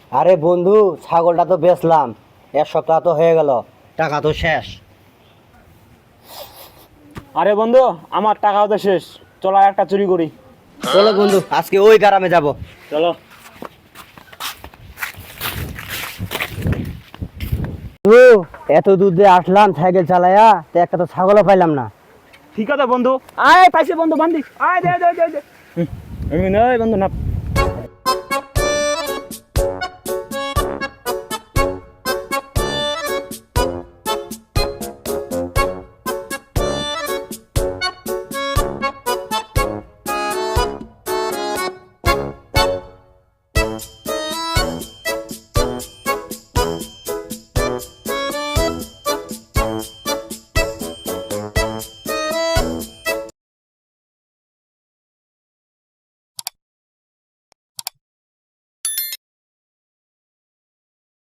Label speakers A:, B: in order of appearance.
A: আরে বন্ধু, ছাগলটা তো বেচলাম, 1 সপ্তাহ তো হয়ে গেল, টাকা তো শেষ।
B: আরে বন্ধু, আমার টাকাও তো শেষ। চলো আর একটা চুরি করি।
A: চলো বন্ধু, আজকে ওই গ্রামে যাব।
B: চলো।
A: ও, এত দূর দিয়ে আসলাম সাইকেল চালায়া, তো একটা তো ছাগলও পাইলাম না।
B: ঠিক আছে বন্ধু, আয় পাইছে বন্ধু, বান্ধি আয়, দে দে দে দে। আমি নয় বন্ধু, না